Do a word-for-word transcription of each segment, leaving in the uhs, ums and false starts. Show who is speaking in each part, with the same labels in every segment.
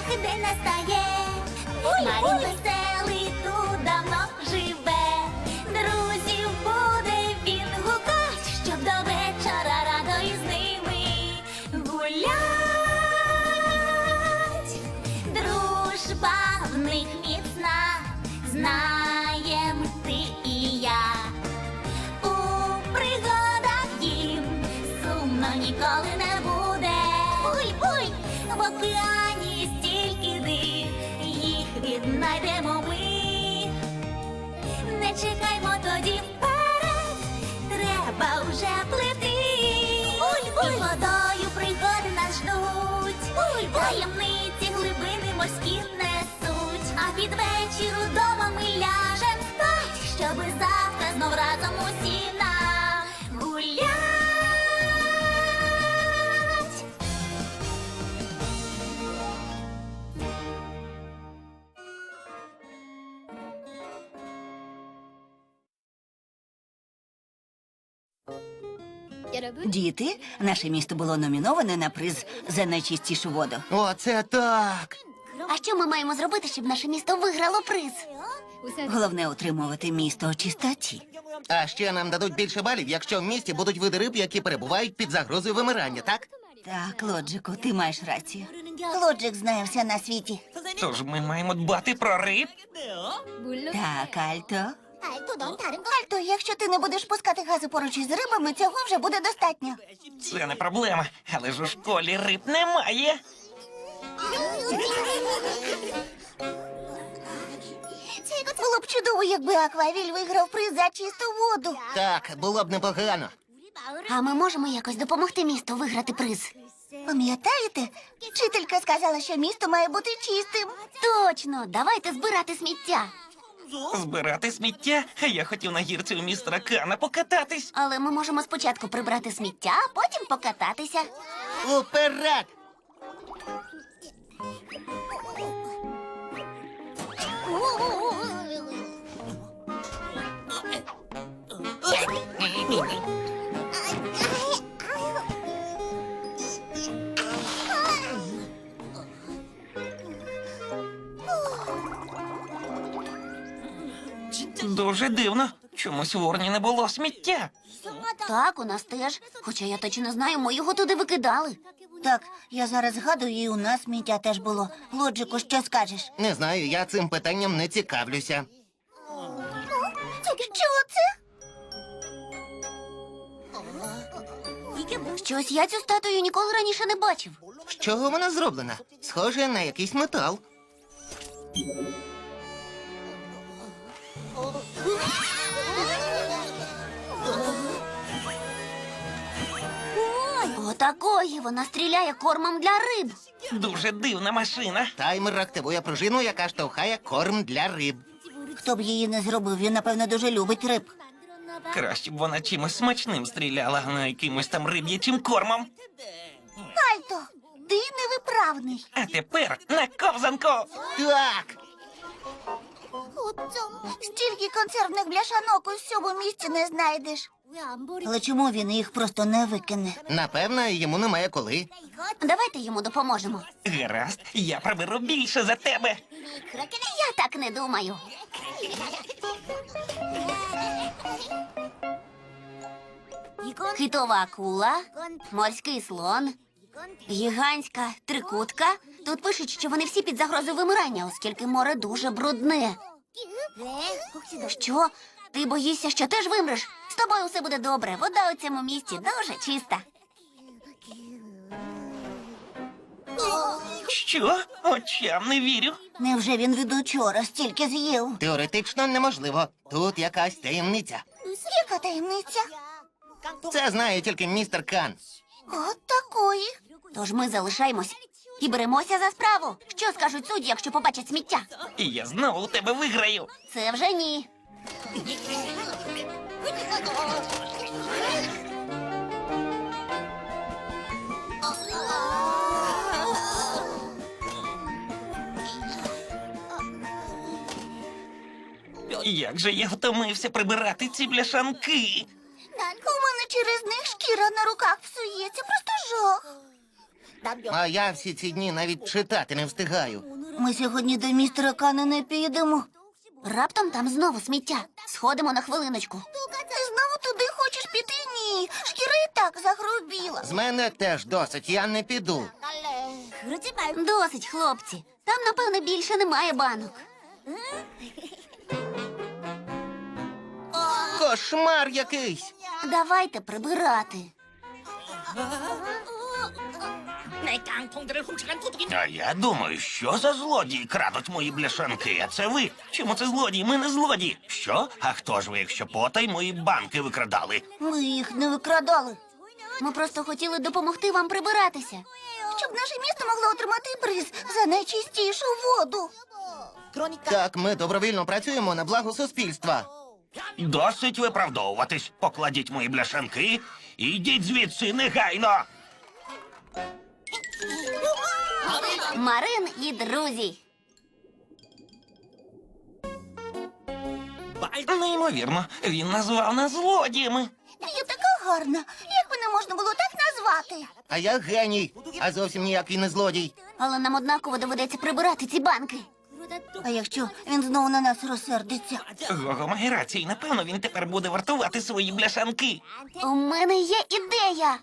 Speaker 1: день настає. Марін веселий тут давно живе. Друзів буде він гукать, щоб до вечора радо із ними гулять. Дружба в них міцна, знаєм ти і я. У пригадах їм сумно ніколи не буде. Уй, уй, в океані стільки див, їх віднайдемо ми. Не чекаймо тоді вперед, треба вже плити. Уй, уй, водою пригоди нас ждуть. Уй, таємниці глибини морські несуть. А під вечір удома ми ляжем спать, щоби завтра знов разом усі нагулять.
Speaker 2: Діти, наше місто було номіноване на приз за найчистішу воду.
Speaker 3: Оце так!
Speaker 1: А що ми маємо зробити, щоб наше місто виграло приз?
Speaker 2: Головне утримувати місто у чистоті.
Speaker 3: А ще нам дадуть більше балів, якщо в місті будуть види риб, які перебувають під загрозою вимирання, так?
Speaker 2: Так, Лоджику, ти маєш рацію. Лоджик знає все на світі.
Speaker 4: Тож ми маємо дбати про риб.
Speaker 2: Так, Альто.
Speaker 1: Альто, якщо ти не будеш пускати гази поруч із рибами, цього вже буде достатньо.
Speaker 4: Це не проблема, але ж у школі риб немає.
Speaker 1: Було б чудово, якби Аквавіль виграв приз за чисту воду.
Speaker 3: Так, було б непогано.
Speaker 1: А ми можемо якось допомогти місту виграти приз. Пам'ятаєте? Вчителька сказала, що місто має бути чистим. Точно, давайте збирати сміття.
Speaker 4: Збирати сміття? А я хотів на гірці у містера Кана покататись.
Speaker 1: Але ми можемо спочатку прибрати сміття, а потім покататися.
Speaker 3: Уперед!
Speaker 4: Дуже дивно. Чомусь в урні не було сміття.
Speaker 1: Так, у нас теж. Хоча я точно знаю, ми його туди викидали.
Speaker 2: Так, я зараз згадую, і у нас сміття теж було. Лоджику, що скажеш?
Speaker 3: Не знаю, я цим питанням не цікавлюся.
Speaker 1: Що це? Щось я цю статую ніколи раніше не бачив.
Speaker 3: З чого вона зроблена? Схоже на якийсь метал.
Speaker 1: Отакої вона стріляє кормом для риб.
Speaker 4: Дуже дивна машина.
Speaker 3: Таймер активує пружину, яка штовхає корм для риб.
Speaker 2: Хто б її не зробив, він, напевно, дуже любить риб.
Speaker 4: Краще б вона чимось смачним стріляла, а не якимось там риб'ячим кормом.
Speaker 1: Альто, ти невиправний.
Speaker 4: А тепер на ковзанку.
Speaker 3: Так!
Speaker 1: Стільки консервних бляшанок у всьому місті не знайдеш.
Speaker 2: Але чому він їх просто не викине?
Speaker 3: Напевно, йому немає коли.
Speaker 1: Давайте йому допоможемо.
Speaker 4: Гаразд, я приберу більше за тебе.
Speaker 1: Я так не думаю. Хитова акула, морський слон, гігантська трикутка. Тут пишуть, що вони всі під загрозою вимирання, оскільки море дуже брудне. Що? Ти боїшся, що теж вимреш? З тобою все буде добре. Вода у цьому місті дуже чиста.
Speaker 4: Що? Очам не вірю.
Speaker 2: Невже він від учора стільки з'їв?
Speaker 3: Теоретично неможливо. Тут якась таємниця.
Speaker 1: Яка таємниця?
Speaker 3: Це знає тільки містер Кан.
Speaker 1: От такої. Тож ми залишаємось і беремося за справу. Що скажуть судді, якщо побачать сміття?
Speaker 4: І я знову у тебе виграю.
Speaker 1: Це вже ні.
Speaker 4: Як же я втомився прибирати ці бляшанки.
Speaker 1: У мене через них шкіра на руках псується. Просто жах.
Speaker 3: А я всі ці дні навіть читати не встигаю.
Speaker 2: Ми сьогодні до містера Кана не підемо.
Speaker 1: Раптом там знову сміття. Сходимо на хвилиночку.
Speaker 2: Ти знову туди хочеш піти? Ні. Шкіра і так загрубіла.
Speaker 3: З мене теж досить, я не піду.
Speaker 1: Досить, хлопці. Там, напевне, більше немає банок.
Speaker 3: Кошмар якийсь.
Speaker 1: Давайте прибирати.
Speaker 4: А я думаю, що за злодії крадуть мої бляшанки, а це ви? Чому це злодії? Ми не злодії. Що? А хто ж ви, якщо потай мої банки викрадали?
Speaker 2: Ми їх не викрадали.
Speaker 1: Ми просто хотіли допомогти вам прибиратися.
Speaker 2: Щоб наше місто могло отримати приз за найчистішу воду.
Speaker 3: Так, ми добровільно працюємо на благо суспільства.
Speaker 4: Досить виправдовуватись. Покладіть мої бляшанки і йдіть звідси негайно.
Speaker 1: Марин і друзі.
Speaker 4: Неймовірно, він назвав нас злодіями.
Speaker 2: Я така гарна. Як мене можна було так назвати?
Speaker 3: А я геній, а зовсім ніякий не злодій.
Speaker 1: Але нам однаково доведеться прибирати ці банки.
Speaker 2: А якщо він знову на нас розсердиться?
Speaker 4: Гого має рацію, напевно, він тепер буде вартувати свої бляшанки.
Speaker 1: У мене є ідея.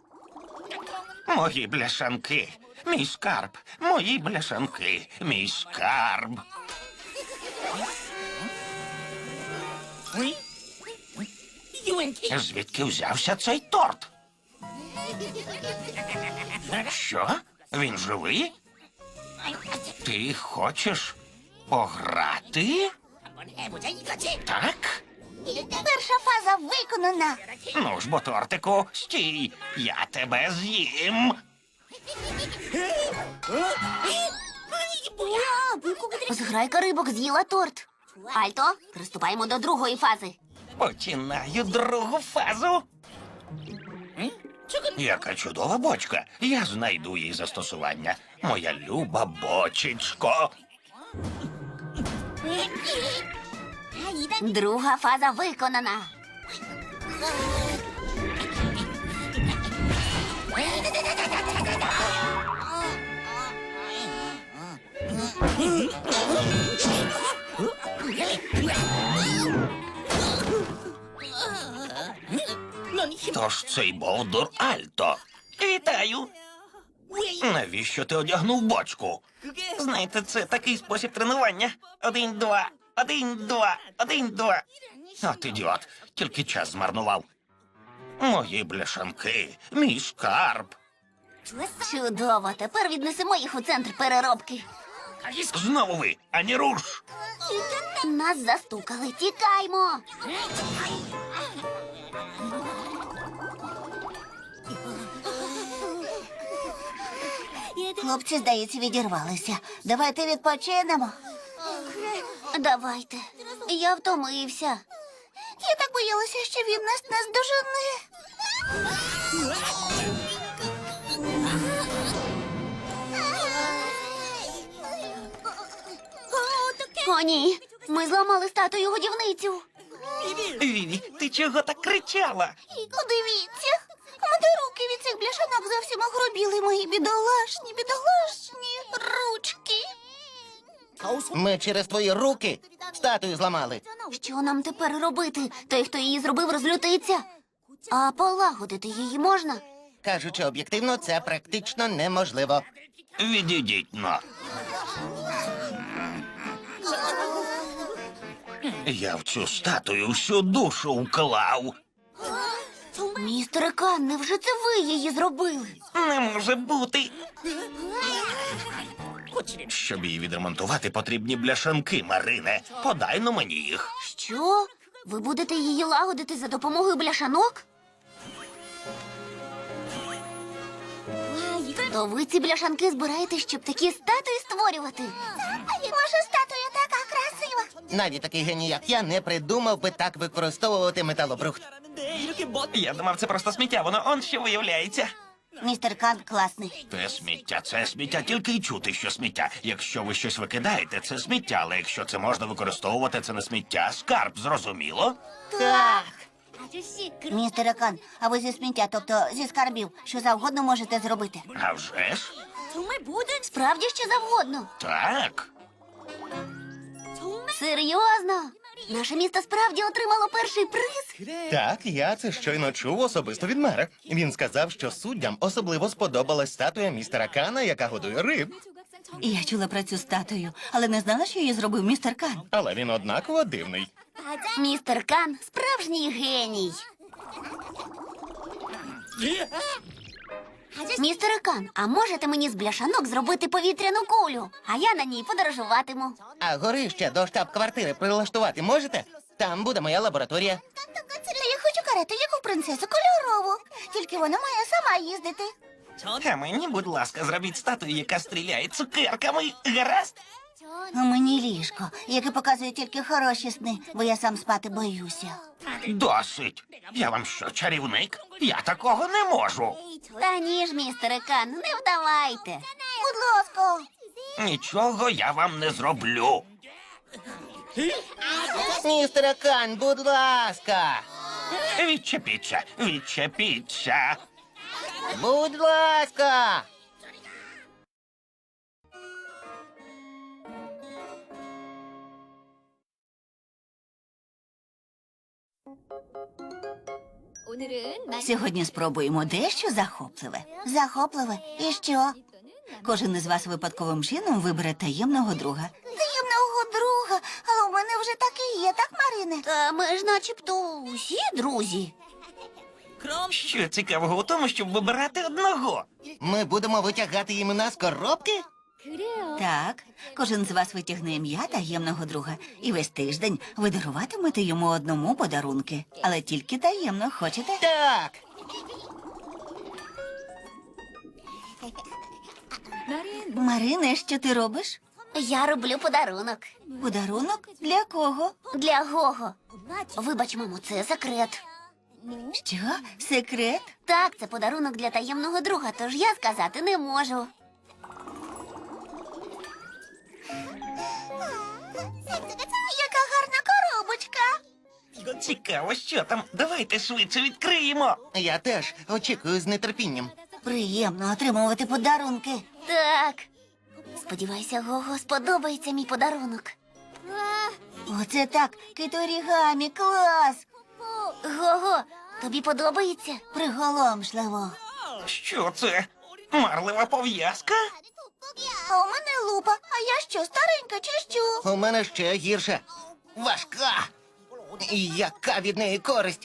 Speaker 4: Мої бляшанки, мій скарб, мої бляшанки, мій скарб. Звідки взявся цей торт? Що? Він живий? Ти хочеш пограти? Так?
Speaker 2: Перша фаза виконана.
Speaker 4: Ну ж бо, тортику, стій, я тебе з'їм.
Speaker 1: Зграйка рибок з'їла торт. Альто, приступаємо до другої фази.
Speaker 4: Починаю другу фазу. Яка чудова бочка. Я знайду їй застосування. Моя люба бочечко.
Speaker 1: Друга фаза виконана.
Speaker 4: Тож цей бовдур Альто. Вітаю. Навіщо ти одягнув бочку? Знаєте, це такий спосіб тренування. Один, два, один, два, один, два. От ідіот, тільки час змарнував. Мої бляшанки, мій скарб.
Speaker 1: Чудово, тепер віднесемо їх у центр переробки.
Speaker 4: Знову ви, ані руш.
Speaker 1: Нас застукали, тікаймо.
Speaker 2: Хлопці, здається, відірвалися. Давайте відпочинемо.
Speaker 1: Давайте. Я втомився.
Speaker 2: Я так боялася, що він нас наздожене.
Speaker 1: О, ні. Ми зламали статую годівницю.
Speaker 4: Віві, ти чого так кричала?
Speaker 2: Подивіться, у мене руки від цих бляшанок зовсім огрубіли, мої бідолашні, бідолашні ручки.
Speaker 3: Ми через твої руки статую зламали.
Speaker 1: Що нам тепер робити? Той, хто її зробив, розлютиться. А полагодити її можна?
Speaker 3: Кажучи об'єктивно, це практично неможливо.
Speaker 4: Відійдіть, но. Я в цю статую всю душу вклав.
Speaker 1: Містер Кан, невже це ви її зробили?
Speaker 4: Не може бути. Щоб її відремонтувати, потрібні бляшанки, Марине. Подай но мені їх.
Speaker 1: Що? Ви будете її лагодити за допомогою бляшанок? То ви ці бляшанки збираєте, щоб такі статуї створювати?
Speaker 2: Ваша статуя така красива.
Speaker 3: Навіть такий геній, як я, не придумав би так використовувати металобрухт.
Speaker 4: Я думав, це просто сміття, воно он що виявляється.
Speaker 2: Містер Кан класний.
Speaker 4: Це сміття, це сміття, тільки й чути, що сміття. Якщо ви щось викидаєте, це сміття, але якщо це можна використовувати, це не сміття, а скарб, зрозуміло?
Speaker 2: Так. Містере Кан, а ви зі сміття, тобто зі скарбів, що завгодно можете зробити.
Speaker 4: А вже ж?
Speaker 1: Справді що завгодно.
Speaker 4: Так.
Speaker 1: Серйозно? Наше місто справді отримало перший приз?
Speaker 3: Так, я це щойно чув особисто від мера. Він сказав, що суддям особливо сподобалась статуя містера Кана, яка годує риб.
Speaker 2: Я чула про цю статую, але не знала, що її зробив містер Кан.
Speaker 3: Але він однаково дивний.
Speaker 1: Містер Кан справжній геній. Містере Кан, а можете мені з бляшанок зробити повітряну кулю? А я на ній подорожуватиму.
Speaker 3: А горище до штаб-квартири прилаштувати можете? Там буде моя лабораторія.
Speaker 2: Та я хочу карету, як у принцесу, кольорову. Тільки вона має сама їздити.
Speaker 4: А мені, будь ласка, зробіть статую, яка стріляє цукерками. Гаразд?
Speaker 2: А мені ліжко, яке показує тільки хороші сни, бо я сам спати боюся.
Speaker 4: Досить. Я вам що, чарівник? Я такого не можу.
Speaker 1: Та ні ж, містере Кан, не вдавайте.
Speaker 2: Будь ласка.
Speaker 4: Нічого я вам не зроблю.
Speaker 3: Містере Кан, будь ласка!
Speaker 4: Відчепіться, відчепіться.
Speaker 3: Будь ласка!
Speaker 2: Сьогодні спробуємо дещо захопливе. Захопливе? І що? Кожен із вас випадковим чином вибере таємного друга. Таємного друга? Але у мене вже так і є, так, Марине?
Speaker 1: Та ми ж начебто усі друзі.
Speaker 4: Що цікавого у тому, щоб вибирати одного?
Speaker 3: Ми будемо витягати імена з коробки?
Speaker 2: Так, кожен з вас витягне ім'я таємного друга. І весь тиждень ви даруватимете йому одному подарунки. Але тільки таємно, хочете?
Speaker 3: Так!
Speaker 2: Марине, що ти робиш?
Speaker 1: Я роблю подарунок.
Speaker 2: Подарунок? Для кого?
Speaker 1: Для Гого. Вибач, мамо, це секрет.
Speaker 2: Що? Секрет?
Speaker 1: Так, це подарунок для таємного друга, тож я сказати не можу.
Speaker 2: Яка гарна коробочка.
Speaker 4: Цікаво, що там. Давайте швидше відкриємо.
Speaker 3: Я теж очікую з нетерпінням.
Speaker 2: Приємно отримувати подарунки.
Speaker 1: Так. Сподіваюся, Гого сподобається мій подарунок.
Speaker 2: Оце так, киторігамі, клас.
Speaker 1: Гого, тобі подобається?
Speaker 2: Приголомшливо.
Speaker 4: Що це? Марлева пов'язка?
Speaker 2: А у мене лупа. А я що, старенька чи що?
Speaker 3: У мене ще гірше. Важка! І яка від неї користь?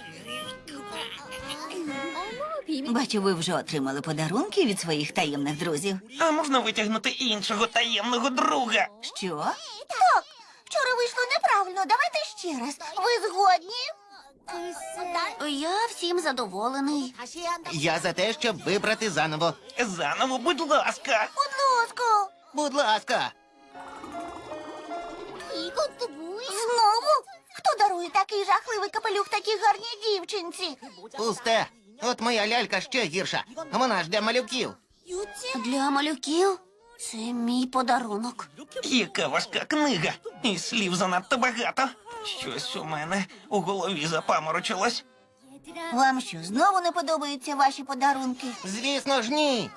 Speaker 2: Бачу, ви вже отримали подарунки від своїх таємних друзів.
Speaker 4: А можна витягнути іншого таємного друга?
Speaker 2: Що? Так, вчора вийшло неправильно. Давайте ще раз. Ви згодні?
Speaker 1: Я всім задоволений.
Speaker 3: Я за те, щоб вибрати заново.
Speaker 4: Заново, будь ласка.
Speaker 2: Будь ласка.
Speaker 3: Будь ласка!
Speaker 2: Знову? Хто дарує такий жахливий капелюх такій гарній дівчинці?
Speaker 3: Пусте! От моя лялька ще гірша. Вона ж для малюків.
Speaker 1: Для малюків це мій подарунок.
Speaker 4: Яка важка книга. І слів занадто багато. Щось у мене у голові запаморочилось.
Speaker 2: Вам що, знову не подобаються ваші подарунки?
Speaker 3: Звісно ж, ні.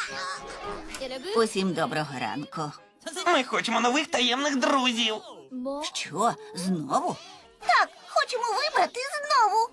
Speaker 2: Усім доброго ранку.
Speaker 4: Ми хочемо нових таємних друзів.
Speaker 2: Що, знову? Так, хочемо вибрати знову.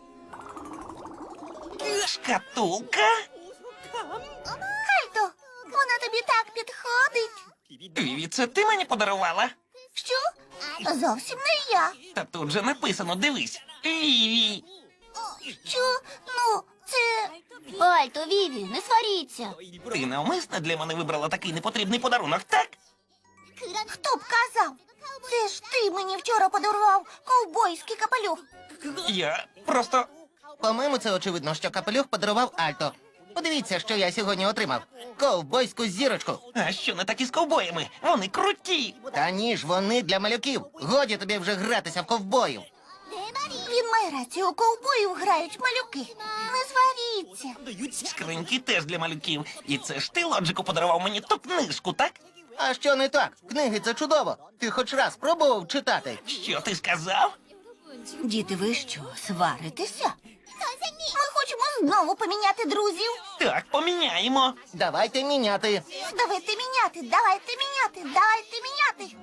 Speaker 4: Шкатулка?
Speaker 2: Альто, вона тобі так підходить.
Speaker 4: Віві, це ти мені подарувала?
Speaker 2: Що? Зовсім не я.
Speaker 4: Та тут же написано, дивись. Віві.
Speaker 2: Що? Ну, це...
Speaker 1: Альто, Віві, не сваріться.
Speaker 4: Ти навмисно для мене вибрала такий непотрібний подарунок, так?
Speaker 2: Хто б казав? Це ж ти мені вчора подарував ковбойський капелюх.
Speaker 4: Я просто.
Speaker 3: По-моєму, це очевидно, що капелюх подарував Альто. Подивіться, що я сьогодні отримав. Ковбойську зірочку.
Speaker 4: А що не так із ковбоями? Вони круті.
Speaker 3: Та ні ж, вони для малюків. Годі тобі вже гратися в ковбою.
Speaker 2: Він має рацію, у ковбоїв грають малюки. Не сваріться.
Speaker 4: Скриньки теж для малюків. І це ж ти, Лоджику, подарував мені ту книжку, так?
Speaker 3: А що не так? Книги це чудово. Ти хоч раз пробував читати?
Speaker 4: Що ти сказав?
Speaker 2: Діти, ви що, сваритеся?
Speaker 1: Ми хочемо знову поміняти друзів.
Speaker 4: Так, поміняємо.
Speaker 3: Давайте міняти.
Speaker 1: Давайте міняти, давайте міняти, давайте міняти.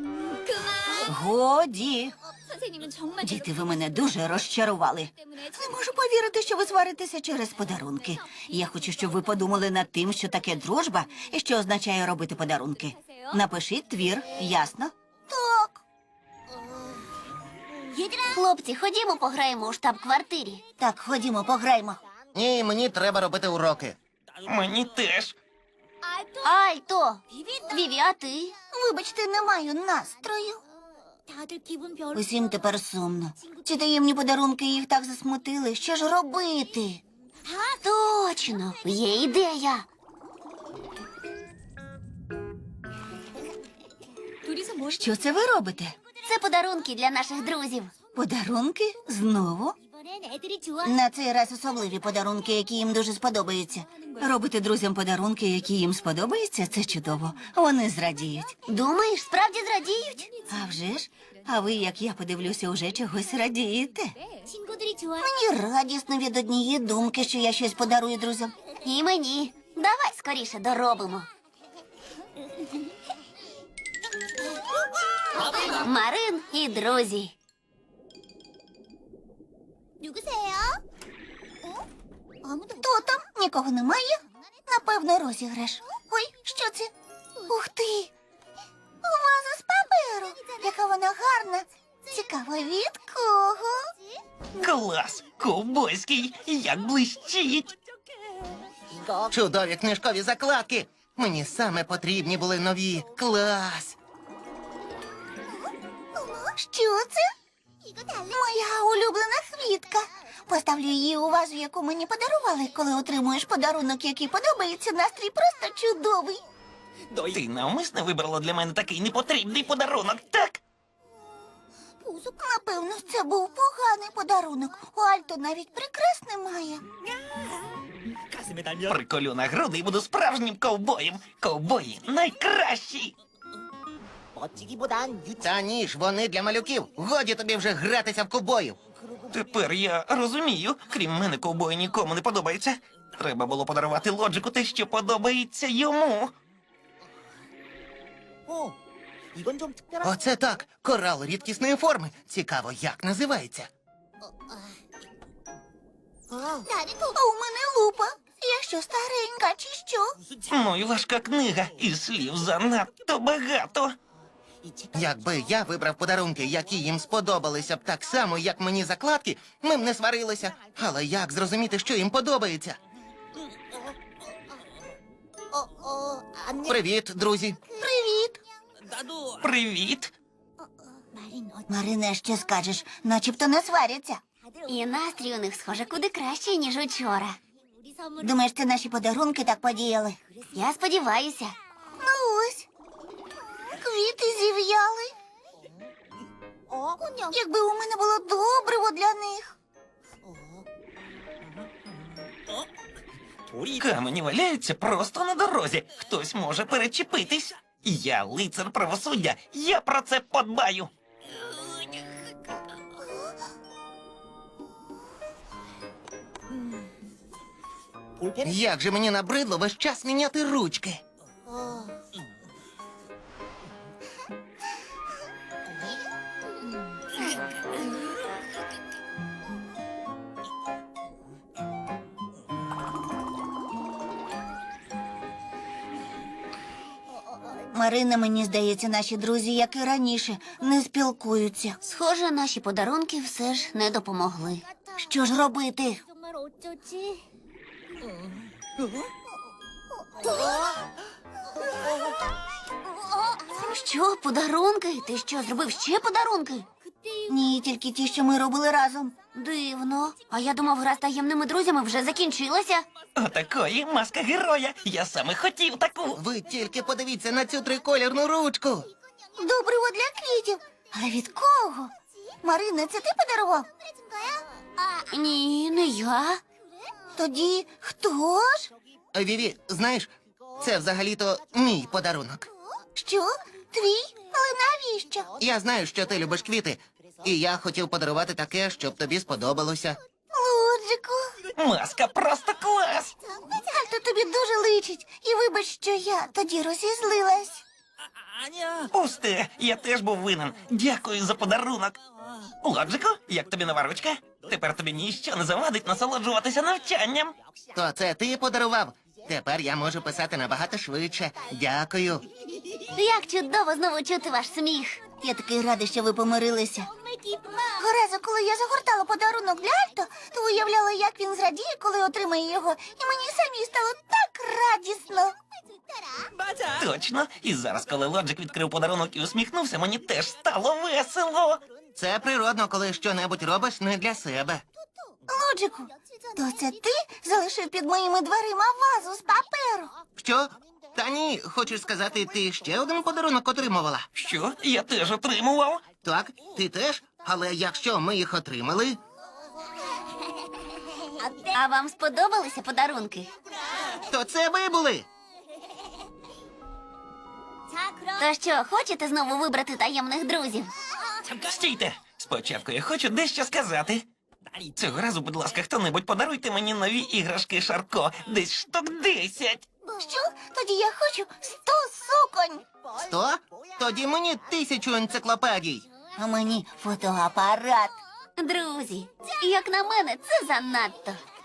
Speaker 2: Годі.
Speaker 5: 선생님은 정말
Speaker 2: Діти, ви мене дуже розчарували. Не можу повірити, що ви сваритеся через подарунки. Я хочу, щоб ви подумали над тим, що таке дружба і що означає робити подарунки. Напишіть твір, ясно?
Speaker 1: Так. Хлопці, ходімо пограємо у штаб-квартирі.
Speaker 2: Так, ходімо, пограймо.
Speaker 3: Ні, мені треба робити уроки.
Speaker 4: Мені теж.
Speaker 1: Альто! Віві, а ти? Вибачте, не маю настрою.
Speaker 5: 다들 기분 별로.
Speaker 2: Усім тепер сумно. Ці таємні подарунки їх так засмутили. Що ж робити?
Speaker 1: Точно, є ідея.
Speaker 5: 둘이서 뭘
Speaker 2: Що це ви робите?
Speaker 1: Це подарунки для наших друзів.
Speaker 2: Подарунки? Знову?
Speaker 5: 이번엔 애들이 좋아.
Speaker 2: На цей раз особливі подарунки, які їм дуже сподобаються. Робити друзям подарунки, які їм сподобаються, це чудово. Вони зрадіють.
Speaker 1: Думаєш, справді зрадіють?
Speaker 2: А вже ж? А ви, як я подивлюся, уже чогось радієте.
Speaker 5: 친구들이 좋아.
Speaker 1: Мені радісно від однієї думки, що я щось подарую друзям. І мені. Давай скоріше доробимо. Марин і друзі.
Speaker 5: 누구세요? 아무도
Speaker 1: Хто там? Нікого немає? Напевно, розіграш. Ой, що це? Ух ти! Ваза з паперу. Яка вона гарна. Цікаво, від кого?
Speaker 4: Клас! Ковбойський! Як блищить!
Speaker 3: Чудові книжкові закладки. Мені саме потрібні були нові. Клас!
Speaker 1: Що це? Моя улюблена квітка. Поставлю її у вазу, яку мені подарували. Коли отримуєш подарунок, який подобається, настрій просто чудовий.
Speaker 4: Ти навмисно вибрала для мене такий непотрібний подарунок, так?
Speaker 1: Напевно, це був поганий подарунок. У Альто навіть прикрас немає.
Speaker 4: Приколю на груди і буду справжнім ковбоєм. Ковбої найкращі!
Speaker 3: Та ні ж, вони для малюків. Годі тобі вже гратися в ковбоїв.
Speaker 4: Тепер я розумію, крім мене, ковбої нікому не подобається. Треба було подарувати Лоджику те, що подобається йому.
Speaker 3: Оце так. Корал рідкісної форми. Цікаво, як називається.
Speaker 1: А у мене лупа. Я що, старенька чи що?
Speaker 4: Ну і важка книга, і слів занадто багато.
Speaker 3: Якби я вибрав подарунки, які їм сподобалися б так само, як мені закладки, ми б не сварилися. Але як зрозуміти, що їм подобається? Привіт, друзі.
Speaker 1: Привіт.
Speaker 4: Привіт!
Speaker 2: Марине, що скажеш? Начебто не сваряться.
Speaker 1: І настрій у них, схоже, куди краще, ніж учора.
Speaker 5: 우리 선물
Speaker 2: Думаєш, це наші подарунки так подіяли?
Speaker 1: Я сподіваюся. Ну ось. Квіти зів'яли. Якби у мене було добриво для них.
Speaker 4: Камені валяються просто на дорозі. Хтось може перечепитись. Я лицар правосуддя, я про це подбаю.
Speaker 3: Як же мені набридло весь час міняти ручки.
Speaker 2: Марина, мені здається, наші друзі, як і раніше, не спілкуються.
Speaker 1: Схоже, наші подарунки все ж не допомогли.
Speaker 2: Що ж робити?
Speaker 5: 정말 어쩌지?
Speaker 1: Що, подарунки? Ти що, зробив ще подарунки?
Speaker 5: 그때
Speaker 2: Ні, тільки ті, що ми робили разом.
Speaker 1: Дивно. А я думав, гра з таємними друзями вже закінчилася.
Speaker 4: Отакої маска героя. Я саме хотів таку.
Speaker 3: Ви тільки подивіться на цю триколірну ручку.
Speaker 1: Добриво для квітів. Але від кого?
Speaker 2: Марина, це ти подарував?
Speaker 1: Ні, не я.
Speaker 2: Тоді хто ж?
Speaker 3: Віві, знаєш, це взагалі-то мій подарунок.
Speaker 2: Що? Твій?
Speaker 1: Але навіщо?
Speaker 3: Я знаю, що ти любиш квіти, і я хотів подарувати таке, щоб тобі сподобалося.
Speaker 1: Лоджику,
Speaker 4: Маска просто клас!
Speaker 1: Альто тобі дуже личить. І вибач, що я тоді розізлилась.
Speaker 4: Пусте, я теж був винен. Дякую за подарунок. Лоджику, як тобі нова ручка? Тепер тобі ніщо не завадить насолоджуватися навчанням.
Speaker 3: То це ти подарував. Тепер я можу писати набагато швидше. Дякую.
Speaker 1: Як чудово знову чути ваш сміх.
Speaker 2: Я такий радий, що ви помирилися.
Speaker 1: Горазо, коли я загортала подарунок для Альто, то уявляла, як він зрадіє, коли отримає його. І мені самій стало так радісно.
Speaker 4: Точно. І зараз, коли Лоджик відкрив подарунок і усміхнувся, мені теж стало весело.
Speaker 3: Це природно, коли щонебудь робиш не для себе.
Speaker 1: Лоджику, то це ти залишив під моїми дверима вазу з паперу?
Speaker 3: Що? Та ні, хочеш сказати, ти ще один подарунок отримувала?
Speaker 4: Що? Я теж отримував.
Speaker 3: Так, ти теж? Але якщо ми їх отримали,
Speaker 1: А вам сподобалися подарунки?
Speaker 3: то це ви були.
Speaker 5: 자, 그럼
Speaker 1: То що, хочете знову вибрати таємних друзів?
Speaker 4: Стійте! Спочатку я хочу дещо сказати. Цього разу, будь ласка, хто-небудь подаруйте мені нові іграшки Шарко. Десь штук десять.
Speaker 1: Що? Тоді я хочу сто суконь.
Speaker 3: Сто? Тоді мені тисячу енциклопедій.
Speaker 2: А мені фотоапарат.
Speaker 1: Друзі, як на мене, це занадто.